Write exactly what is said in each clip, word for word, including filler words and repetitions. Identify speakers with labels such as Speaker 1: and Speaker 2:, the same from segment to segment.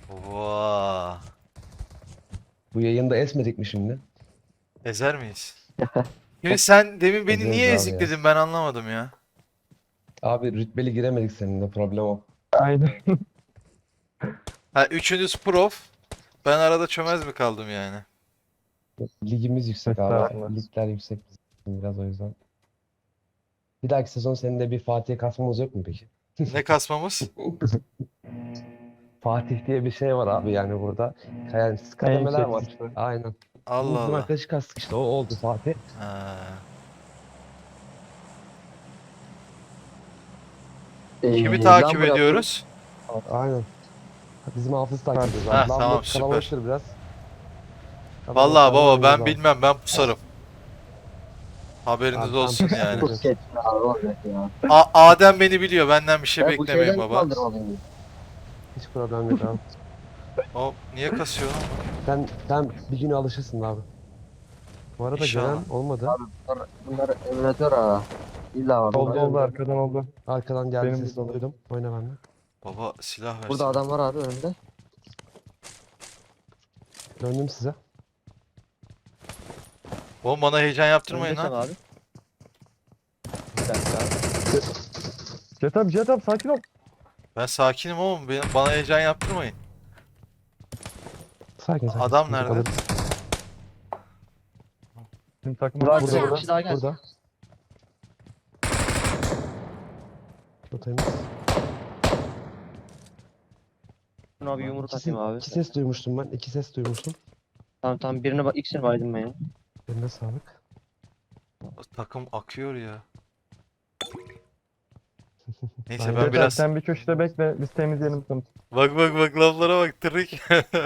Speaker 1: Vaa.
Speaker 2: Bu yayında esmedik mi şimdi?
Speaker 1: Ezer miyiz? Şimdi sen demin beni
Speaker 2: Ezeriz
Speaker 1: niye
Speaker 2: abi ya.
Speaker 1: ezikledin ben anlamadım ya.
Speaker 2: Abi rütbeli giremedik seninle, problem o.
Speaker 3: Aynen.
Speaker 1: Ha üçünüz prof. Ben arada çömez mi kaldım yani?
Speaker 2: Ligimiz yüksek abi.
Speaker 3: Estağfurullah.
Speaker 2: Ligler yüksek bizim biraz o yüzden. Bir dahaki sezon senin de bir Fatih kasmamız yok mu peki?
Speaker 1: Ne kasmamız?
Speaker 2: Fatih diye bir şey var abi yani burada. Yani
Speaker 3: En
Speaker 2: kademeler
Speaker 3: yüksek
Speaker 2: var.
Speaker 3: liste.
Speaker 2: Aynen.
Speaker 1: Allah
Speaker 2: Bizim
Speaker 1: Allah.
Speaker 2: arkadaşı kastık işte, o oldu Fatih.
Speaker 1: Ha. Kimi
Speaker 4: Ee,
Speaker 1: takip
Speaker 4: Lambra
Speaker 1: ediyoruz?
Speaker 2: Aynen. Bizim hafız takip ediyoruz
Speaker 1: Ha,
Speaker 2: abi.
Speaker 1: tamam,
Speaker 2: Lambert
Speaker 1: süper.
Speaker 2: kalabalıktır biraz.
Speaker 1: Vallahi
Speaker 2: Kalabalıklarda
Speaker 1: baba
Speaker 2: oynayacağız
Speaker 1: ben
Speaker 2: abi.
Speaker 1: bilmem ben pusarım. Haberiniz
Speaker 2: Abi,
Speaker 1: olsun
Speaker 2: tamam.
Speaker 1: yani.
Speaker 4: Çok geç abi olacak ya.
Speaker 1: A- Adem beni biliyor benden bir şey
Speaker 4: Ben bu
Speaker 1: beklemeyin
Speaker 4: şeyden
Speaker 1: baba.
Speaker 4: kaldırmalıyım.
Speaker 2: Hiç problem yok abi.
Speaker 1: O niye kasıyor lan?
Speaker 2: Sen, sen bir gün alışırsın abi. Bu arada
Speaker 1: İnşallah.
Speaker 2: gelen olmadı.
Speaker 4: Abi bunlar, bunlar emülatör ha. İlla var.
Speaker 3: Oldu
Speaker 4: bunlar.
Speaker 3: oldu arkadan oldu.
Speaker 2: Arkadan geldi,
Speaker 3: Benim
Speaker 2: sesini
Speaker 3: de-
Speaker 2: duydum. Oyna benimle.
Speaker 1: Baba silah versin.
Speaker 4: Burada adam var abi önünde.
Speaker 2: Döndüm size.
Speaker 1: Oğlum bana heyecan yaptırmayın
Speaker 4: Önünde
Speaker 1: lan.
Speaker 4: sen abi. Bir dakika abi.
Speaker 3: Jet up jet up sakin ol.
Speaker 1: Ben sakinim oğlum. Benim, bana heyecan yaptırmayın.
Speaker 2: Sakin sakin.
Speaker 1: Adam
Speaker 2: sıkıntı yok,
Speaker 1: nerede?
Speaker 2: alırız.
Speaker 3: Şimdi takım
Speaker 4: Burada,
Speaker 2: Burada,
Speaker 4: bir
Speaker 2: burada,
Speaker 4: kişi daha geldi.
Speaker 2: burada. Bu temiz.
Speaker 4: Şuna bir yumruk
Speaker 2: İki,
Speaker 4: atayım abi.
Speaker 2: iki ses duymuştum ben. İki ses duymuştum.
Speaker 4: Tamam tamam birine bak ikisini baydım ben ya.
Speaker 2: Eline sağlık.
Speaker 1: Takım akıyor ya. Neyse
Speaker 2: Aynen.
Speaker 1: ben
Speaker 3: Jet up
Speaker 1: biraz...
Speaker 3: sen bir köşede bekle biz temizleyelim seni.
Speaker 1: Bak bak bak laflara bak trik.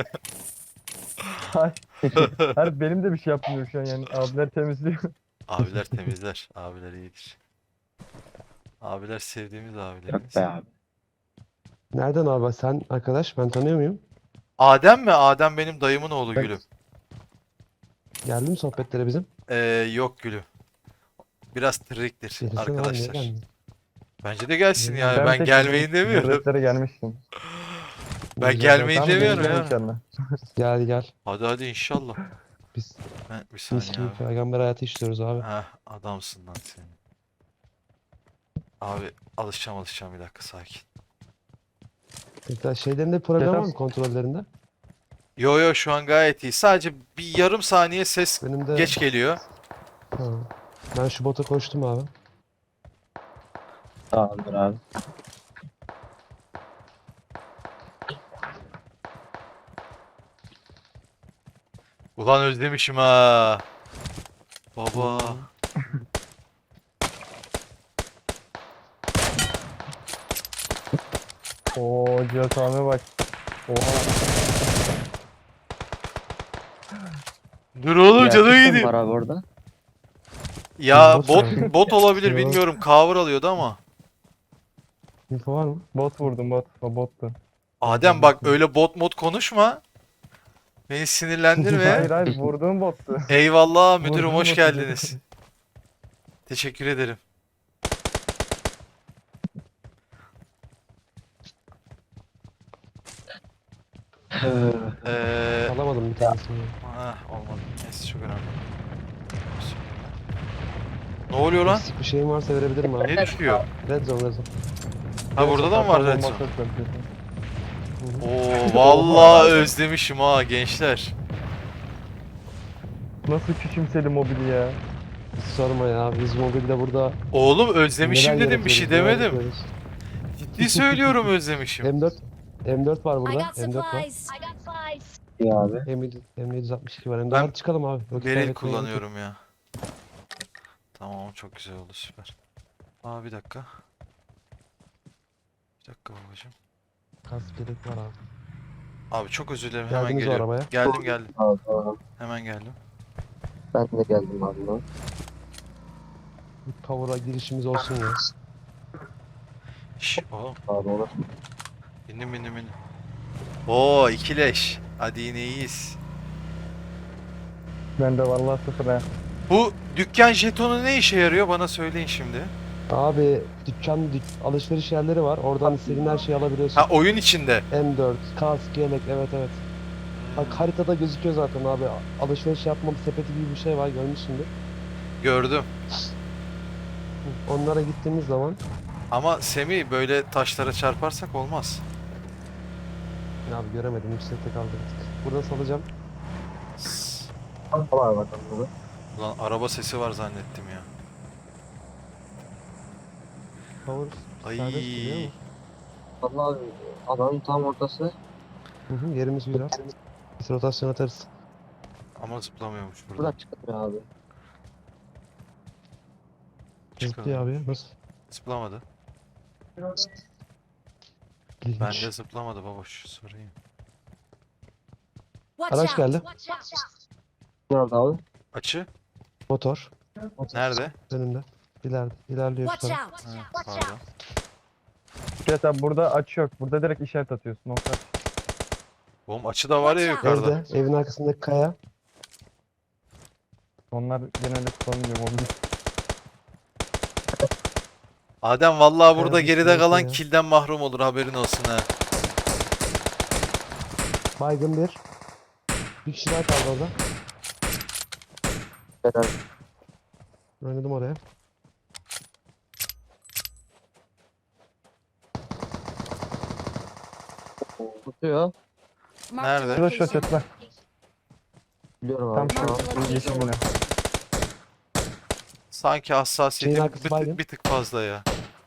Speaker 3: Her benim de bir şey yapmıyor şu an yani abiler temizliyor.
Speaker 1: Abiler temizler. Abiler iyidir. Abiler sevdiğimiz abilerimiz.
Speaker 4: Yok be abi.
Speaker 2: Nereden abi sen arkadaş? Ben tanıyor muyum?
Speaker 1: Adem mi? Adem benim dayımın oğlu
Speaker 3: Ben-
Speaker 1: gülüm.
Speaker 2: Geldi mi sohbetlere bizim?
Speaker 1: Ee, yok gülüm. Biraz triktir
Speaker 2: Gelirsen abi, niye
Speaker 1: arkadaşlar.
Speaker 2: gelmiyor?
Speaker 1: Bence de gelsin
Speaker 2: Bilmiyorum.
Speaker 1: yani. Ben
Speaker 3: tek
Speaker 1: gelmeyin
Speaker 3: bizim
Speaker 1: demiyorum.
Speaker 3: devletlere gelmiştim.
Speaker 1: Ben
Speaker 2: Güzel,
Speaker 1: gelmeyin
Speaker 2: tamam,
Speaker 1: demiyorum
Speaker 2: gel,
Speaker 1: ya.
Speaker 3: İnşallah.
Speaker 2: Gel gel.
Speaker 1: Hadi hadi inşallah.
Speaker 2: Biz
Speaker 1: Ben, bir
Speaker 2: mis
Speaker 1: saniye
Speaker 2: gibi
Speaker 1: abi.
Speaker 2: peygamber hayatı işliyoruz abi.
Speaker 1: Heh, adamsın lan sen. Abi alışacağım alışacağım bir dakika sakin.
Speaker 2: Peki, şeylerinde problem var mı,
Speaker 3: Yeter.
Speaker 2: kontrollerinde?
Speaker 1: Yo yo şu an gayet iyi. Sadece bir yarım saniye ses
Speaker 2: Benim de...
Speaker 1: geç geliyor.
Speaker 2: Ha. Ben şu bota koştum abi.
Speaker 4: Tamamdır abi.
Speaker 1: Ulan özlemişim ha. Baba.
Speaker 3: Oo Cihat abi bak. Oha.
Speaker 1: Dur oğlum canım
Speaker 4: Gerçekten
Speaker 1: gideyim.
Speaker 4: var abi orada.
Speaker 1: Ya
Speaker 2: Bot
Speaker 1: bot
Speaker 2: sanki.
Speaker 1: bot olabilir
Speaker 2: Yo.
Speaker 1: bilmiyorum. Cover alıyordu ama.
Speaker 2: Info var mı?
Speaker 3: Bot vurdum bot. O bottu.
Speaker 1: Adem bak öyle bot mod konuşma. Beni sinirlendirme.
Speaker 3: Hayır hayır vurduğum bottu.
Speaker 1: Eyvallah müdürüm
Speaker 3: Vurdum
Speaker 1: hoş
Speaker 3: botu
Speaker 1: geldiniz. Teşekkür ederim. Eee
Speaker 2: Alamadım bir tanesini.
Speaker 1: ah, olmadı. Neyse çok önemli. Ne oluyor lan?
Speaker 2: Eksik bir şeyim varsa verebilirim abi.
Speaker 1: Ne düşüyor?
Speaker 2: Red zone, red zone.
Speaker 1: Ha burada da mı var
Speaker 3: Sakal
Speaker 1: red zone?
Speaker 3: bombası atıyor.
Speaker 1: Oo vallahi özlemişim ha gençler.
Speaker 3: Nasıl küçümsedi mobili ya.
Speaker 2: Hiç sorma ya. Biz mobilde burada
Speaker 1: Oğlum özlemişim
Speaker 2: neler
Speaker 1: dedim bir şey
Speaker 2: yaratıyoruz, neler
Speaker 1: demedim.
Speaker 2: yapıyoruz.
Speaker 1: Ciddi söylüyorum özlemişim.
Speaker 2: M dört M dört var
Speaker 5: I
Speaker 2: burada.
Speaker 5: got
Speaker 2: M dört var.
Speaker 5: supplies. I got supplies.
Speaker 4: İyi abi.
Speaker 2: M yedi M yedi altmış iki var. M dört.
Speaker 1: Ben
Speaker 2: Hadi çıkalım abi. Vakit
Speaker 1: Beril
Speaker 2: kaybetmeye gerek yok.
Speaker 1: kullanıyorum ya. Tamam çok güzel oldu süper. Aa bir dakika. Bir dakika babacığım.
Speaker 2: Kask gerek var abi.
Speaker 1: Abi çok özür dilerim hemen
Speaker 2: Geldiniz o
Speaker 1: geliyorum.
Speaker 2: arabaya.
Speaker 1: Geldim geldim.
Speaker 4: Tamam, tamam.
Speaker 1: Hemen geldim.
Speaker 4: Ben de geldim abi lan.
Speaker 2: Bir power'a girişimiz olsun ya.
Speaker 1: Şş oğlum
Speaker 4: Abi olur.
Speaker 1: bindim bindim bindim. Oo ikileş. Hadi yine iyiyiz.
Speaker 3: Ben de vallahi sıfır ha.
Speaker 1: Bu dükkan jetonu ne işe yarıyor bana söyleyin şimdi.
Speaker 2: Abi dükkan, dük, alışveriş yerleri var. Oradan istediğin her şeyi alabiliyorsun.
Speaker 1: Ha, oyun içinde.
Speaker 2: M dört, kask, yelek, evet evet. Bak haritada gözüküyor zaten abi. Alışveriş yapma bir sepeti gibi bir şey var, görmüşsündür.
Speaker 1: Gördüm.
Speaker 2: Onlara gittiğimiz zaman
Speaker 1: Ama Semih, böyle taşlara çarparsak olmaz.
Speaker 2: abi göremedim, yüksekte kaldı bir tık. Burada salacağım.
Speaker 1: Sss.
Speaker 4: Var bakalım burada.
Speaker 1: Ulan araba sesi var zannettim ya.
Speaker 2: Power
Speaker 1: Ay.
Speaker 2: serbest duruyor ama.
Speaker 4: Vallahi alanın tam ortası.
Speaker 2: Hı hı, yerimiz güzel. Biz rotasyon atarız.
Speaker 1: Ama zıplamıyormuş burada.
Speaker 4: Buradan çıkıyor abi.
Speaker 2: Zıplıyor abi ya, nasıl?
Speaker 1: Zıplamadı.
Speaker 2: İlginç.
Speaker 1: Bende zıplamadı baboş. Sorayım.
Speaker 5: Watch
Speaker 2: Araç
Speaker 5: out.
Speaker 2: geldi.
Speaker 4: Nerede abi?
Speaker 1: Açı.
Speaker 2: Motor.
Speaker 1: Nerede?
Speaker 2: Önünde. İleride. İlerliyor şu
Speaker 5: Watch
Speaker 2: taraf.
Speaker 5: out.
Speaker 1: Ha, pardon.
Speaker 3: Cihat abi burada açı yok. Burada direkt işaret atıyorsun. Nokta.
Speaker 1: Oğlum açı da var ya
Speaker 5: Watch out.
Speaker 1: yukarıda.
Speaker 2: Evde. Evin arkasındaki kaya.
Speaker 3: Onlar genelde kullanılıyor mobil.
Speaker 1: Adem vallahi burada
Speaker 2: Kaya
Speaker 1: geride
Speaker 2: düşüyor
Speaker 1: kalan
Speaker 2: ya.
Speaker 1: kilden mahrum olur, haberin olsun ha.
Speaker 2: Baygın bir. Bir kişi daha kaldı orada.
Speaker 4: Helal.
Speaker 2: Oynadım oraya.
Speaker 4: Tutuyor.
Speaker 5: Marked a
Speaker 1: Nerede?
Speaker 3: Şurada şu
Speaker 5: location.
Speaker 3: çatıda.
Speaker 4: Biliyorum
Speaker 3: Tam
Speaker 4: abi.
Speaker 3: şu
Speaker 5: Marked a location.
Speaker 3: yeşil bina.
Speaker 1: Sanki
Speaker 2: Şeyin
Speaker 1: hassasiyetim
Speaker 2: arkası
Speaker 1: bir,
Speaker 2: baygın.
Speaker 1: tık, bir tık fazla ya.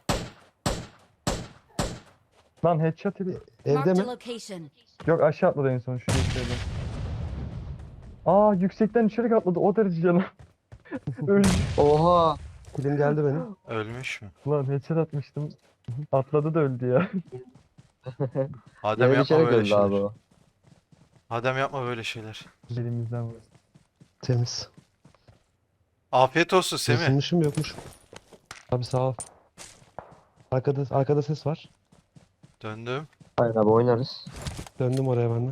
Speaker 3: Lan headshot yedi.
Speaker 2: Evde
Speaker 5: Marked a
Speaker 2: mi?
Speaker 5: location.
Speaker 3: Yok aşağı atladı en son şu yeşilden. Aa yüksekten içeri atladı o derece canım. Öldü.
Speaker 4: Oha.
Speaker 2: Kilim geldi benim.
Speaker 1: Ölmüş mü?
Speaker 3: Lan headshot atmıştım. Atladı da öldü ya.
Speaker 1: Adem
Speaker 4: Yere
Speaker 1: yapma
Speaker 4: düşerek
Speaker 1: böyle
Speaker 4: öldü abi
Speaker 1: şeyler.
Speaker 4: o.
Speaker 1: Adem yapma böyle şeyler.
Speaker 3: Elimizden vurdu.
Speaker 2: Temiz.
Speaker 1: Afiyet olsun Semih.
Speaker 2: Isınmışım yokmuş. Abi sağ ol. Arkada, arkada ses var.
Speaker 1: Döndüm.
Speaker 4: Hayır abi oynarız.
Speaker 2: Döndüm oraya ben de.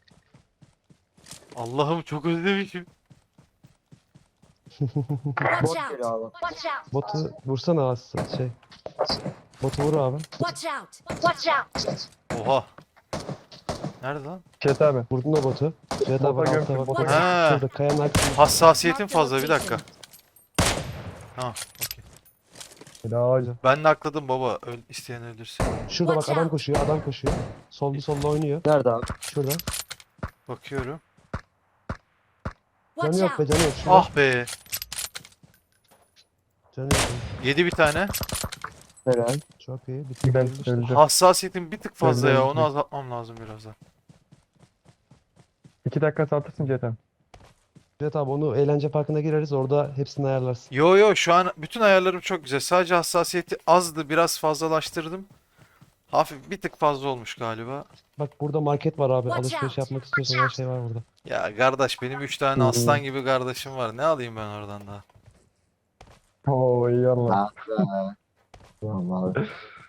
Speaker 1: Allah'ım çok özlemişim.
Speaker 4: Bot
Speaker 5: Watch
Speaker 4: geliyor
Speaker 5: out.
Speaker 4: abi.
Speaker 5: Watch out.
Speaker 2: Botu vursana az şey. Botu vur abi.
Speaker 5: Watch out. Watch out.
Speaker 1: Oha. Nerede lan?
Speaker 3: Cihat abi.
Speaker 2: Vurdun o botu. Cihat abi
Speaker 3: Bota
Speaker 2: altta
Speaker 3: gömdüm,
Speaker 2: bak.
Speaker 3: bota
Speaker 2: Bota.
Speaker 1: gömdüm.
Speaker 2: Şurada kayanın arkasında.
Speaker 1: Hassasiyetim
Speaker 5: Marked a
Speaker 1: fazla, bir dakika.
Speaker 5: location.
Speaker 1: Ha, okey.
Speaker 3: Helal.
Speaker 1: Ben de akladım baba. Öl, isteyen öldürsün.
Speaker 2: Şurada bak,
Speaker 5: Watch
Speaker 2: adam
Speaker 5: out.
Speaker 2: koşuyor, adam koşuyor. Sollu sollu oynuyor.
Speaker 4: Nerede abi?
Speaker 2: Şurada.
Speaker 1: Bakıyorum.
Speaker 2: Canı
Speaker 5: Watch
Speaker 2: yok be,
Speaker 5: out.
Speaker 2: canı yok. Şurada.
Speaker 1: Ah be.
Speaker 2: Canı yok.
Speaker 1: Yedi bir tane.
Speaker 4: Helal.
Speaker 2: Çok iyi. Bitti.
Speaker 3: Ben
Speaker 2: işte.
Speaker 3: öldü.
Speaker 1: Hassasiyetim bir tık fazla ya.
Speaker 3: Öldü,
Speaker 1: Onu
Speaker 3: öldü.
Speaker 1: azaltmam lazım biraz da.
Speaker 3: İki dakika saltırsın Cihat abi.
Speaker 2: Cihat abi onu eğlence parkına gireriz. Orada hepsini ayarlarsın.
Speaker 1: Yo yo, şu an bütün ayarlarım çok güzel. Sadece hassasiyeti azdı. Biraz fazlalaştırdım. Hafif bir tık fazla olmuş galiba.
Speaker 2: Bak burada market var abi.
Speaker 5: Watch
Speaker 2: Alışveriş
Speaker 5: out.
Speaker 2: yapmak istiyorsan her şey var burada.
Speaker 1: Ya kardeş, benim üç tane aslan gibi kardeşim var. Ne alayım ben oradan daha?
Speaker 3: Oo iyi Allah.
Speaker 4: Ah be. Tamam abi.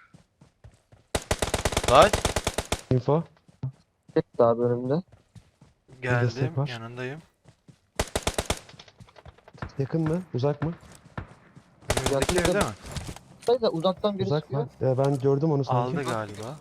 Speaker 1: Lan
Speaker 2: Info.
Speaker 4: Çıktı abi önümde.
Speaker 1: geldim,
Speaker 2: destek var.
Speaker 1: yanındayım.
Speaker 2: Yakın mı? Uzak mı?
Speaker 1: Önümüzdeki
Speaker 4: Yakın
Speaker 1: evde
Speaker 4: da-
Speaker 1: mi?
Speaker 4: Hayır da uzaktan biri
Speaker 2: Uzak
Speaker 4: sıkıyor.
Speaker 2: mı? Ee, ben gördüm onu sanki.
Speaker 1: Aldı galiba.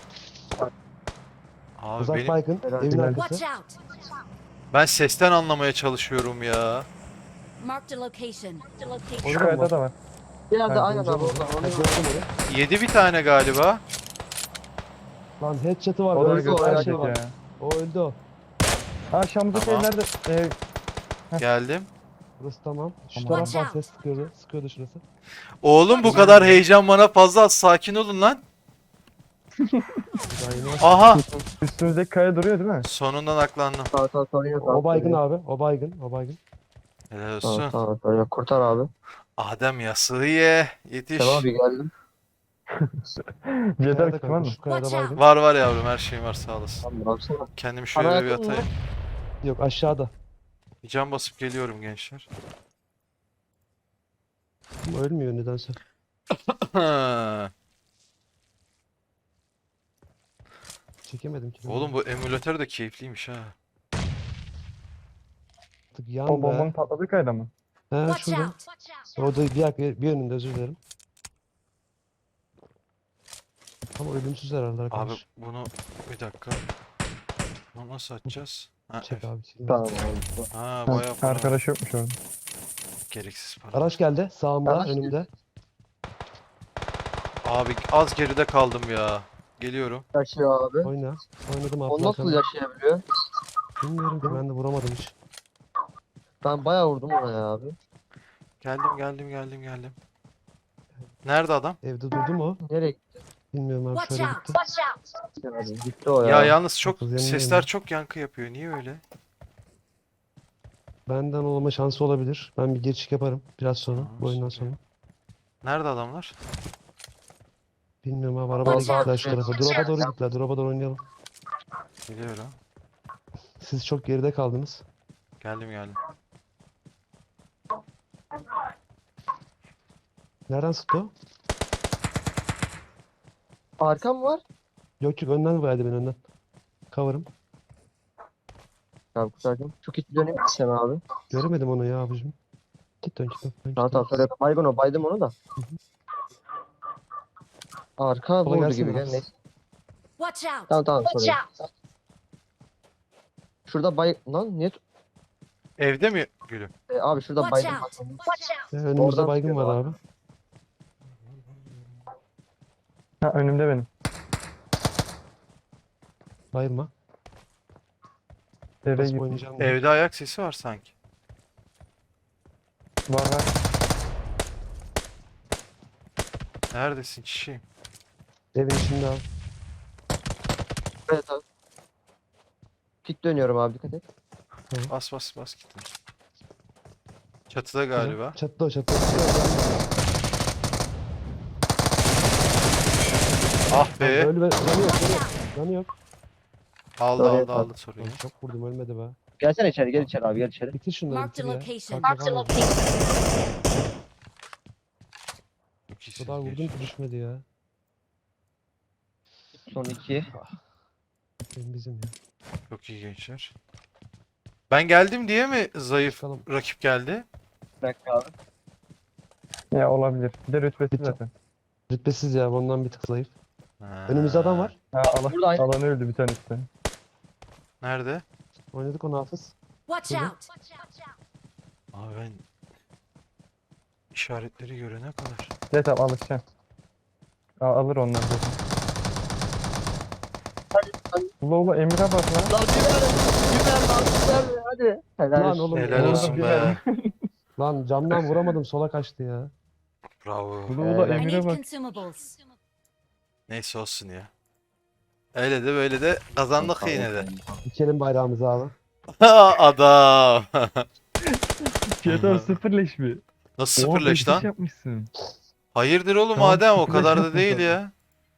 Speaker 1: Abi
Speaker 2: Uzak
Speaker 1: benim,
Speaker 2: baygın.
Speaker 4: Herhalde
Speaker 2: Evin
Speaker 3: ben-
Speaker 2: arkası.
Speaker 5: Watch out.
Speaker 1: ben sesten anlamaya çalışıyorum ya.
Speaker 5: Marked a location.
Speaker 2: Orada
Speaker 3: Şu
Speaker 2: mı
Speaker 3: kayada
Speaker 2: var?
Speaker 3: da var.
Speaker 4: Bir yerde
Speaker 3: Ben
Speaker 4: aynen abi
Speaker 2: Gördüm
Speaker 4: orada.
Speaker 2: onu.
Speaker 4: Onu
Speaker 2: Ha, gördüm onu.
Speaker 1: Yedi bir tane galiba.
Speaker 2: Lan headshot'ı var.
Speaker 3: O da
Speaker 2: öldü,
Speaker 4: göz
Speaker 2: her
Speaker 3: felaket
Speaker 2: şey var.
Speaker 3: ya.
Speaker 2: O öldü o.
Speaker 3: Ha Şam'daki
Speaker 1: Tamam.
Speaker 3: evlerde e,
Speaker 1: Geldim.
Speaker 2: Burası tamam. Şu
Speaker 3: Tamam.
Speaker 2: taraf var,
Speaker 5: Watch out.
Speaker 2: ses sıkıyordu. Sıkıyordu şurası.
Speaker 1: Oğlum bu kadar heyecan bana fazla az. Sakin olun lan.
Speaker 2: Daha yeni var.
Speaker 1: Aha.
Speaker 3: üstümüzdeki kaya duruyor değil mi?
Speaker 1: Sonundan aklandım.
Speaker 4: Sağ sağ sorun yok abi.
Speaker 2: O baygın abi. O baygın. O baygın.
Speaker 1: Helal
Speaker 4: Tamam
Speaker 1: olsun.
Speaker 4: tamam sorun yok. Kurtar abi.
Speaker 1: Adem yasığı ye. Yetiş.
Speaker 4: Tamam abi geldim.
Speaker 3: Cihat
Speaker 2: Kayada
Speaker 3: abi kim var
Speaker 2: kanka.
Speaker 3: mı?
Speaker 2: Şu kayada
Speaker 5: Watch
Speaker 2: baygın.
Speaker 1: Var var yavrum, her şeyim var, sağ olasın.
Speaker 4: Tamam baksana.
Speaker 1: Kendimi şöyle bir
Speaker 4: Ana yakın mı?
Speaker 1: atayım.
Speaker 2: Yok, aşağıda.
Speaker 1: Bir can basıp geliyorum gençler.
Speaker 2: Ama ölmüyor nedense. Çekemedim ki.
Speaker 1: Oğlum bu emülatör de keyifliymiş ha.
Speaker 2: Artık yan
Speaker 3: O
Speaker 2: be.
Speaker 3: bombanın patladığı kayada mı?
Speaker 2: He
Speaker 5: Watch
Speaker 2: şurada.
Speaker 5: out.
Speaker 2: Orada bir, yak- bir önünde, özür dilerim. Ama ölümsüz herhalde
Speaker 1: Abi
Speaker 2: arkadaş.
Speaker 1: bunu bir dakika. Bunu nasıl açacağız? Ha,
Speaker 2: Çek
Speaker 1: F.
Speaker 2: abi. çek.
Speaker 4: Tamam abi.
Speaker 1: Ha
Speaker 3: Ha,
Speaker 1: bayağı para.
Speaker 3: arkadaş yokmuş orada.
Speaker 1: Gereksiz para.
Speaker 2: Araç geldi sağımda
Speaker 4: Araç
Speaker 2: önümde.
Speaker 1: Abi az geride kaldım ya. Geliyorum.
Speaker 4: Yaşıyor abi.
Speaker 2: Oyna. Oynadım abi.
Speaker 4: O nasıl yaşayabiliyor?
Speaker 2: Bilmiyorum ki ben de vuramadım hiç.
Speaker 4: Ben bayağı vurdum ona ya abi.
Speaker 1: Geldim geldim geldim geldim. Nerede adam?
Speaker 2: Evde durdu mu?
Speaker 4: Nereye
Speaker 2: Bilmiyorum abi
Speaker 5: Watch
Speaker 2: şöyle
Speaker 5: out!
Speaker 2: gitti.
Speaker 5: Watch out!
Speaker 4: gitti abi? Gitti o ya.
Speaker 1: Ya yalnız çok
Speaker 2: Dokuz yanındayım
Speaker 1: sesler
Speaker 2: ben.
Speaker 1: çok yankı yapıyor. Niye öyle?
Speaker 2: Benden olma şansı olabilir. Ben bir geçiş yaparım biraz sonra.
Speaker 1: Tamam,
Speaker 2: Bu oyundan
Speaker 1: süper.
Speaker 2: sonra.
Speaker 1: Nerede adamlar?
Speaker 2: Bilmiyorum abi arabayla
Speaker 5: Watch
Speaker 2: gittiler
Speaker 5: out.
Speaker 2: şu tarafa. Drop'a doğru gittiler. Drop'a doğru oynayalım.
Speaker 1: Geliyorum.
Speaker 2: Siz çok geride kaldınız.
Speaker 1: Geldim geldim.
Speaker 2: Nereden sıktı o?
Speaker 4: Arkam var.
Speaker 2: Yok yok önden verdi beni önden. Cover'ım.
Speaker 4: Abi kurtaracağım. Çok hiç döneyim sen abi.
Speaker 2: Göremedim onu ya abicim. Git dön git dön. dön,
Speaker 4: Tamam
Speaker 2: git
Speaker 4: tamam
Speaker 2: dön.
Speaker 4: sonra baygın o baydım onu da. Arka
Speaker 2: Kolay
Speaker 4: vurdu
Speaker 2: gelsin
Speaker 4: gibi
Speaker 2: abi.
Speaker 4: gel neyse.
Speaker 5: Watch out!
Speaker 4: Tamam tamam
Speaker 5: Watch
Speaker 4: sorry.
Speaker 5: out!
Speaker 4: Şurada bay... Lan niye... tut-
Speaker 1: Evde mi gülüm?
Speaker 4: E, abi şurada
Speaker 5: Watch
Speaker 4: baydım.
Speaker 5: out! Watch out!
Speaker 2: Ya, önümüzde
Speaker 4: Oradan
Speaker 2: baygın
Speaker 4: sıkıyor
Speaker 2: var
Speaker 4: abi.
Speaker 2: abi.
Speaker 3: Ha önümde benim.
Speaker 2: Bayılma.
Speaker 3: Eve
Speaker 2: Basıp
Speaker 3: git.
Speaker 2: oynayacağım.
Speaker 1: Evde ayak sesi var sanki.
Speaker 3: Var var.
Speaker 1: Neredesin çiçeğim?
Speaker 2: Evin içinde abi.
Speaker 4: Evet abi. Pik dönüyorum abi dikkat et.
Speaker 1: Bas bas bas gittim. Çatıda galiba.
Speaker 2: Çatıda o çatıda.
Speaker 1: Ah be.
Speaker 2: Öyle be. Canı yok canı yok. Canı yok.
Speaker 1: Aldı
Speaker 4: Sorry,
Speaker 1: aldı aldı soruyu.
Speaker 2: Lan çok vurdum ölmedi be.
Speaker 4: Gelsene içeri gel içeri abi gel içeri.
Speaker 2: Bitir şunları
Speaker 5: Mark the
Speaker 2: bitir ya.
Speaker 5: location.
Speaker 2: Kanka
Speaker 5: Mark the
Speaker 2: kalmadı.
Speaker 5: location.
Speaker 1: Çok
Speaker 2: O
Speaker 1: iyisiniz
Speaker 2: kadar vurdum
Speaker 1: gençler.
Speaker 2: ki düşmedi ya.
Speaker 4: Son iki.
Speaker 2: Benim bizim ya.
Speaker 1: Çok iyi gençler. Ben geldim diye mi zayıf
Speaker 2: Çıkalım.
Speaker 1: rakip geldi?
Speaker 4: Bir dakika abi.
Speaker 3: Ya olabilir. Bir de rütbesi
Speaker 2: Bitti.
Speaker 3: zaten.
Speaker 2: Rütbesiz ya ondan bir tık zayıf.
Speaker 1: Ha.
Speaker 2: Önümüzde adam var.
Speaker 3: Ha alan,
Speaker 4: Burada aynı-
Speaker 3: alan öldü bir tanesi.
Speaker 1: Nerede?
Speaker 2: Oynadık onu Hafız.
Speaker 5: Watch
Speaker 2: Hı hı.
Speaker 5: out!
Speaker 1: Abi ben işaretleri görene kadar.
Speaker 3: Evet abi alışacaksın. Al, alır onlar zaten. Ula ula Emir'e bak lan.
Speaker 4: Lan güver. Güver lan güver. Hadi. Helal
Speaker 2: Lan
Speaker 4: olsun.
Speaker 2: oğlum.
Speaker 1: Helal
Speaker 2: orada
Speaker 1: olsun
Speaker 2: bir-
Speaker 1: be.
Speaker 2: Lan camdan vuramadım sola kaçtı ya.
Speaker 1: Bravo.
Speaker 3: Ula ula
Speaker 4: Helal.
Speaker 5: I
Speaker 3: Emir'e
Speaker 5: need
Speaker 3: bak.
Speaker 5: consumables.
Speaker 1: Neyse olsun ya. Öyle de böyle de kazandık yine de.
Speaker 2: Dikelim bayrağımızı abi.
Speaker 1: Adam.
Speaker 3: Fiyatı sıfır leş mi?
Speaker 1: Nasıl
Speaker 3: Oha,
Speaker 1: sıfır leş
Speaker 3: beş
Speaker 1: lan?
Speaker 3: yapmışsın.
Speaker 1: Hayırdır oğlum
Speaker 3: Tamam,
Speaker 1: Adem o
Speaker 3: sıfır leş
Speaker 1: kadar da
Speaker 3: yaptın
Speaker 1: değil
Speaker 3: zaten.
Speaker 1: ya.